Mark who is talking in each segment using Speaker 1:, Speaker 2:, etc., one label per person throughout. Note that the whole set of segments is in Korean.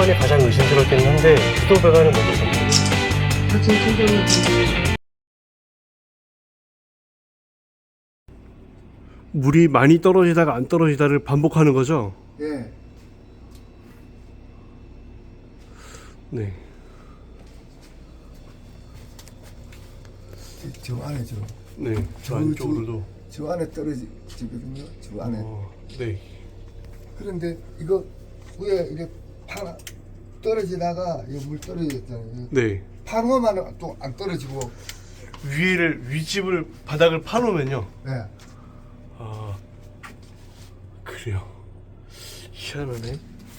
Speaker 1: 배관이 가장 의심스럽긴 한데 수도 배관은 먼저 섭니다.
Speaker 2: 사진 충전이
Speaker 1: 물이 많이 떨어지다가 안 떨어지다를 반복하는 거죠?
Speaker 2: 예.
Speaker 1: 네.
Speaker 2: 저 안에 저.
Speaker 1: 네. 저 안쪽으로도.
Speaker 2: 저 안에 떨어지거든요. 저 안에.
Speaker 1: 네.
Speaker 2: 그런데 이거 위에 이렇게 파 떨어지다가 이거 물 떨어졌잖아요.
Speaker 1: 네.
Speaker 2: 파놓으면 또 안 떨어지고.
Speaker 1: 윗집을 바닥을 파놓으면요.
Speaker 2: 네.
Speaker 1: 아, 그래요. 희한하네.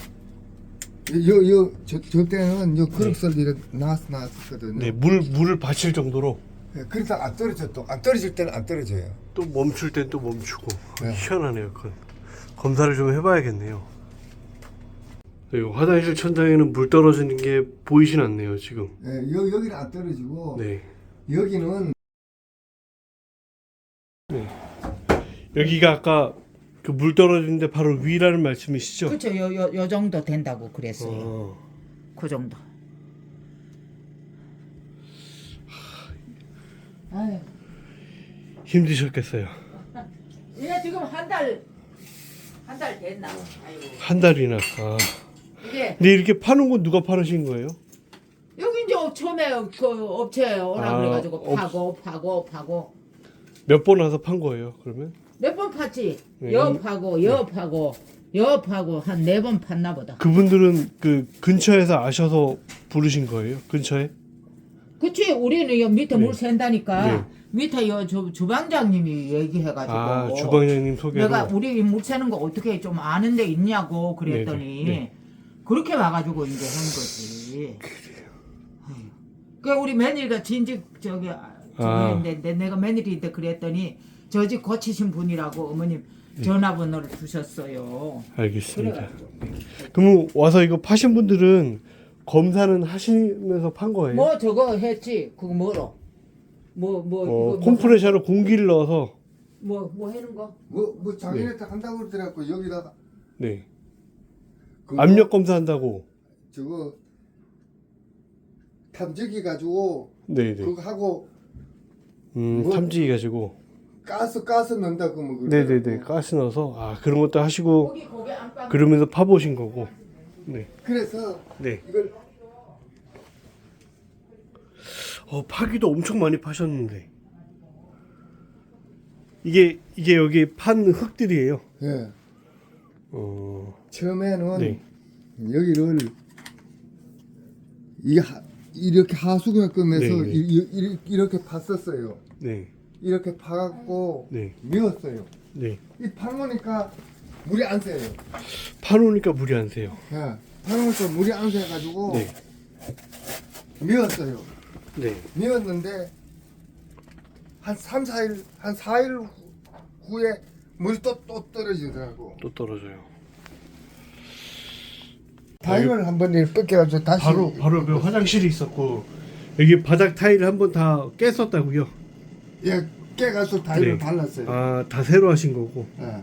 Speaker 2: 저 때는 그릇설 이렇게 나왔었거든요.
Speaker 1: 네, 물을 받칠 정도로.
Speaker 2: 네, 그러다 안 떨어져 또. 안 떨어질 때는 안 떨어져요.
Speaker 1: 또 멈출 땐 또 멈추고.
Speaker 2: 네.
Speaker 1: 희한하네요. 그건. 검사를 좀 해봐야겠네요. 네, 화장실 천장에는 물 떨어지는 게 보이진 않네요, 지금.
Speaker 2: 네, 여기는 안 떨어지고.
Speaker 1: 네.
Speaker 2: 여기는.
Speaker 1: 네. 여기가 아까 그 물 떨어지는데 바로 위라는 말씀이시죠?
Speaker 3: 그렇죠. 요 정도 된다고 그랬어요.
Speaker 1: 어.
Speaker 3: 그 정도. 아유.
Speaker 1: 힘드셨겠어요.
Speaker 3: 이게 지금 한 달 됐나? 아이고.
Speaker 1: 한 달이나. 아.
Speaker 3: 이게
Speaker 1: 근데 이렇게 파는 건 누가 파르신 거예요?
Speaker 3: 여기 이제 처음에 그 업체에 오라
Speaker 1: 아,
Speaker 3: 그래가지고 파고
Speaker 1: 몇 번 와서 판 거예요, 그러면?
Speaker 3: 몇 번 팠지?
Speaker 1: 네.
Speaker 3: 여 파고 한 4번 팠나 보다.
Speaker 1: 그분들은 그 근처에서 아셔서 부르신 거예요? 근처에?
Speaker 3: 그치, 우리는 여 밑에
Speaker 1: 네.
Speaker 3: 물 샌다니까
Speaker 1: 네.
Speaker 3: 밑에 주방장님이 얘기해가지고
Speaker 1: 아, 주방장님 소개로.
Speaker 3: 내가 우리 물 새는 거 어떻게 좀 아는 데 있냐고 그랬더니
Speaker 1: 네.
Speaker 3: 그렇게 와가지고 이제 한 거지. 그래요. 그 우리 며느리가 진즉 저기 했는데 내가 며느리인데 그랬더니 저 집 고치신 분이라고 어머님 전화번호를 주셨어요.
Speaker 1: 알겠습니다.
Speaker 3: 그래가지고.
Speaker 1: 그럼 와서 이거 파신 분들은 검사는 하시면서 판 거예요?
Speaker 3: 뭐 저거 했지? 그거 뭐로? 이거
Speaker 1: 컴프레셔로 공기를 넣어서.
Speaker 3: 뭐 하는 거?
Speaker 2: 뭐 작년에 딱 한다고 그러더라고. 여기다가
Speaker 1: 네.
Speaker 2: 그거
Speaker 1: 압력 검사한다고.
Speaker 2: 저거 탐지기 가지고
Speaker 1: 네네.
Speaker 2: 그거 하고 뭐?
Speaker 1: 탐지기 가지고.
Speaker 2: 가스 넣는다고 뭐
Speaker 1: 네네네. 가스 넣어서 그런 것도 하시고
Speaker 3: 고기 안방.
Speaker 1: 그러면서 파보신 거고. 네.
Speaker 2: 그래서
Speaker 1: 네.
Speaker 2: 이걸
Speaker 1: 파기도 엄청 많이 파셨는데. 이게 여기 판 흙들이에요.
Speaker 2: 예. 처음에는
Speaker 1: 네.
Speaker 2: 여기를 이렇게 하수구에 끄면서
Speaker 1: 네, 네.
Speaker 2: 이렇게 팠었어요.
Speaker 1: 네.
Speaker 2: 이렇게 파갖고
Speaker 1: 네.
Speaker 2: 미웠어요.
Speaker 1: 네.
Speaker 2: 이 파놓으니까 물이 안 새요.
Speaker 1: 파놓으니까 물이 안 새요.
Speaker 2: 예. 파놓으니까 물이 안 새가지고
Speaker 1: 네.
Speaker 2: 미웠어요.
Speaker 1: 네.
Speaker 2: 미웠는데 한 4일 후에 물이 또 떨어지더라고.
Speaker 1: 또 떨어져요.
Speaker 2: 타일을 한번 이렇게 뺏겨가지고 다시
Speaker 1: 바로 그 화장실이 있었고 여기 바닥 타일을 한번 다 깼었다고요?
Speaker 2: 예, 깨가지고 타일을
Speaker 1: 네.
Speaker 2: 발랐어요.
Speaker 1: 다 새로 하신 거고.
Speaker 2: 예.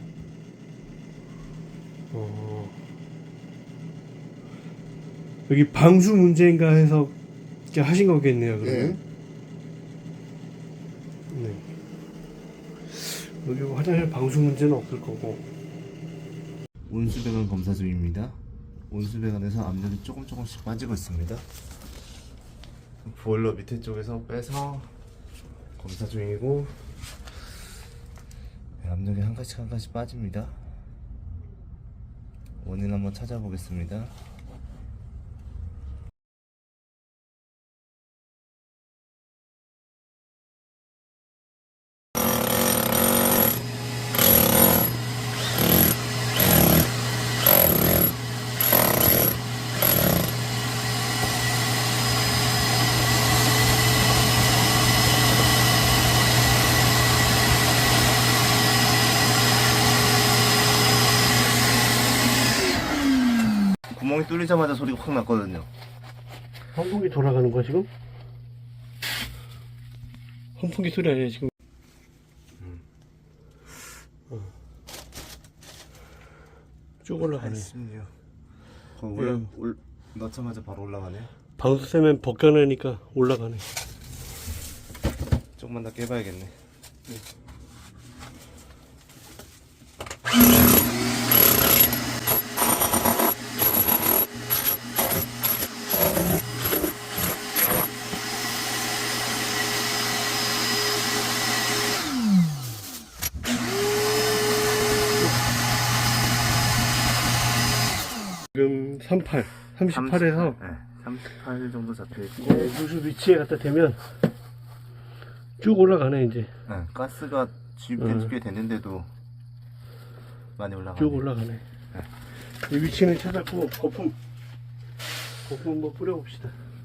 Speaker 1: 여기 방수 문제인가 해서 이렇게 하신 거겠네요, 그러면. 네. 여기 화장실 방수 문제는 없을 거고.
Speaker 4: 온수배관 검사 중입니다. 온수배관에서 압력이 조금씩 빠지고 있습니다. 보일러 밑에 쪽에서 빼서 검사 중이고, 압력이 한 가지씩 빠집니다. 원인 한번 찾아보겠습니다. 구멍이 뚫리자마자 소리가 확 났거든요.
Speaker 1: 환풍기 돌아가는 거야, 지금? 환풍기 소리 아니야, 지금? 쭉 올라가네.
Speaker 4: 16.
Speaker 1: 네.
Speaker 4: 넣자마자 바로 올라가네.
Speaker 1: 방수 세면 벗겨내니까 올라가네.
Speaker 4: 조금만 더 깨봐야겠네.
Speaker 1: 지금 38에서
Speaker 4: 38 정도 잡혀있고.
Speaker 1: 누수 위치에 갖다 대면 쭉 올라가네 이제.
Speaker 4: 네, 가스가 지금 꽤 됐는데도 많이 올라가네.
Speaker 1: 쭉 올라가네. 이 위치는 찾았고 거품 한번 뿌려봅시다.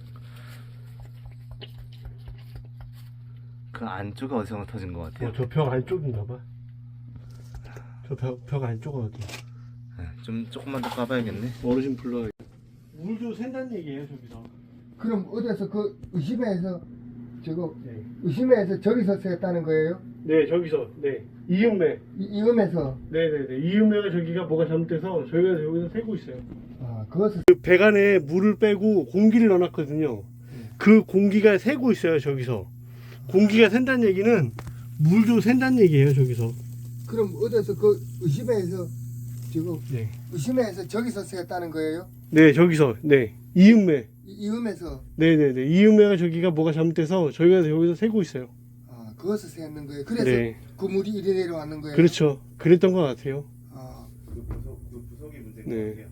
Speaker 4: 그 안쪽에 어디서 터진 것 같아요.
Speaker 1: 저 벽 안쪽인가봐. 저 벽 안쪽은 어디?
Speaker 4: 네, 좀 조금만 더 까봐야겠네.
Speaker 1: 어르신 불러. 물도 샌다는 얘기예요 저기서.
Speaker 2: 그럼 어디서 그 의심해서 저거
Speaker 1: 네.
Speaker 2: 의심해서 저기서 샜다는 거예요?
Speaker 1: 네 저기서 네 이음매.
Speaker 2: 이음에서.
Speaker 1: 네네네 이음매가 저기가 뭐가 잘못돼서 저희가 여기서 새고 있어요.
Speaker 2: 아 그것을.
Speaker 1: 그 배관에 물을 빼고 공기를 넣어놨거든요. 그 공기가 새고 있어요 저기서. 공기가 샌다는 얘기는 물도 샌다는 얘기예요 저기서.
Speaker 2: 그럼 어디서 그 의심해서 저거
Speaker 1: 네.
Speaker 2: 의심해서 저기서 샜다는 거예요?
Speaker 1: 네 저기서 네 이음매.
Speaker 2: 이음에서.
Speaker 1: 네네네 이음매가 저기가 뭐가 잘못돼서 저희가 여기서 새고 있어요.
Speaker 2: 아 그것을 샜는 거예요. 그래서
Speaker 1: 네.
Speaker 2: 그 물이 이리 내려왔는 거예요.
Speaker 1: 그렇죠. 그랬던 것 같아요.
Speaker 2: 아
Speaker 4: 그 부속이 문제인
Speaker 1: 네.
Speaker 4: 것 같아요.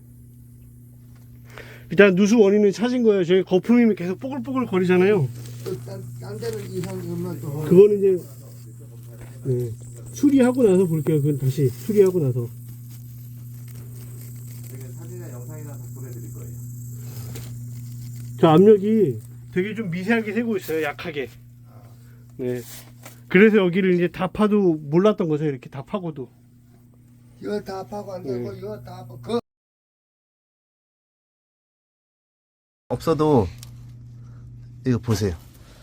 Speaker 1: 일단 누수 원인은 찾은 거예요. 저희 거품이 계속 뽀글뽀글 거리잖아요.
Speaker 2: 딴 데는 이상이 없나 또.
Speaker 1: 그거는 이제 네. 수리하고 나서 볼게요. 그건 다시 수리하고 나서.
Speaker 4: 사진이나 영상이나 다 보내드릴 거예요.
Speaker 1: 저 압력이 되게 좀 미세하게 새고 있어요. 약하게. 네. 그래서 여기를 이제 다 파도 몰랐던 거죠. 이렇게 다 파고도.
Speaker 2: 이거 다 파고 안 되고
Speaker 1: 네.
Speaker 2: 이거 다 파고 그
Speaker 4: 없어도 이거 보세요.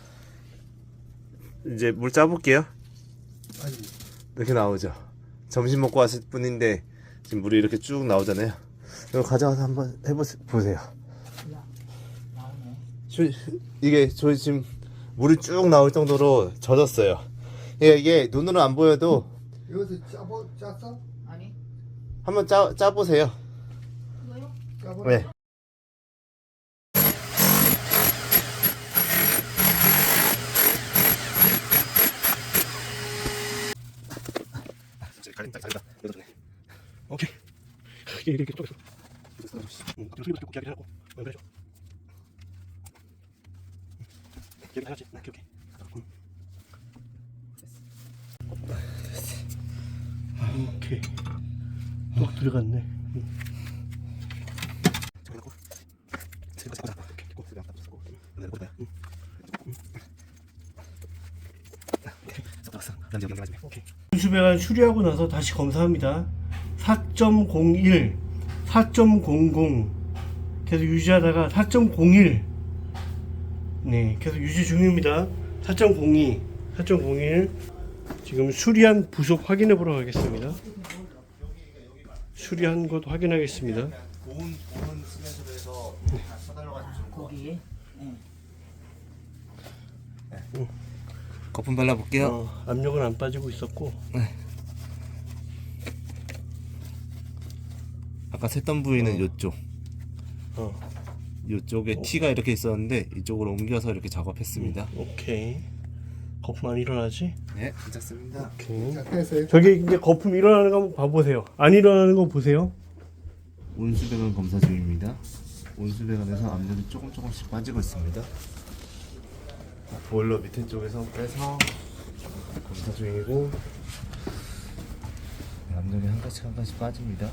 Speaker 4: 이제 물 짜볼게요.
Speaker 2: 아니
Speaker 4: 이렇게 나오죠. 점심 먹고 왔을 뿐인데 지금 물이 이렇게 쭉 나오잖아요. 이거 가져가서 한번 보세요. 이게 저희 지금 물이 쭉 나올 정도로 젖었어요. 이게 눈으로 안 보여도
Speaker 2: 여기서 짰어?
Speaker 3: 아니
Speaker 4: 한번 짜보세요.
Speaker 3: 이거요?
Speaker 2: 짜보.
Speaker 4: 네.
Speaker 1: 오케이. 이렇게 쪼개서. 좀 소리부터 꼭 이야기를 하고. 그래죠. 여기 하나씩. 오케이. 오케이. 또 들어갔네. 수배관 수리하고 나서 다시 검사합니다. 4.01, 4.00 계속 유지하다가 4.01 네 계속 유지 중입니다. 4.02, 4.01 지금 수리한 부속 확인해 보러 가겠습니다. 수리한 것 확인하겠습니다.
Speaker 4: 보온 시멘트로 해서 다 사달라가지고
Speaker 3: 거기
Speaker 4: 거품 발라볼게요.
Speaker 1: 압력은 안 빠지고 있었고
Speaker 4: 아까 샜던 부위는 이쪽.
Speaker 1: 어.
Speaker 4: 이쪽에 T가 이렇게 있었는데 이쪽으로 옮겨서 이렇게 작업했습니다.
Speaker 1: 오케이. 거품 안 일어나지?
Speaker 4: 네, 괜찮습니다.
Speaker 1: 오케이.
Speaker 2: 자 됐어요.
Speaker 1: 저기 이제 거품 일어나는 거 한번 봐보세요. 안 일어나는 거 보세요.
Speaker 4: 온수배관 검사 중입니다. 온수배관에서 압력이 조금씩 빠지고 있습니다. 보일러 밑에 쪽에서 빼서 검사 중이고 압력이 한 가지 빠집니다.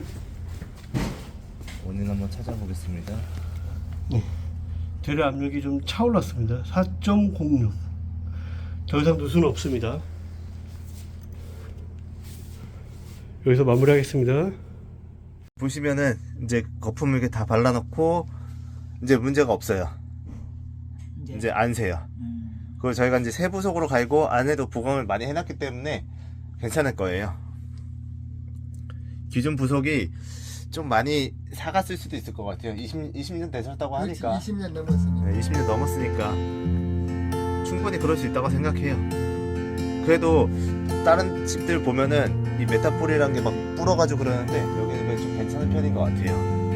Speaker 4: 원인 한번 찾아보겠습니다.
Speaker 1: 대려 압력이 좀 차올랐습니다. 4.06. 더 이상 누수는 없습니다. 여기서 마무리하겠습니다.
Speaker 4: 보시면은 이제 거품을 이렇게 다 발라놓고 이제 문제가 없어요. 이제 안 새요. 그걸 저희가 이제 세부속으로 갈고 안에도 부검을 많이 해놨기 때문에 괜찮을 거예요. 기존 부속이 좀 많이 사갔을 수도 있을 것 같아요. 20년 되셨다고
Speaker 2: 그렇지,
Speaker 4: 하니까.
Speaker 2: 20년 넘었으니까.
Speaker 4: 네, 20년 넘었으니까 충분히 그럴 수 있다고 생각해요. 그래도 다른 집들 보면은 이 메타폴이라는 게 막 불어가지고 그러는데 여기는 좀 괜찮은 편인 것 같아요.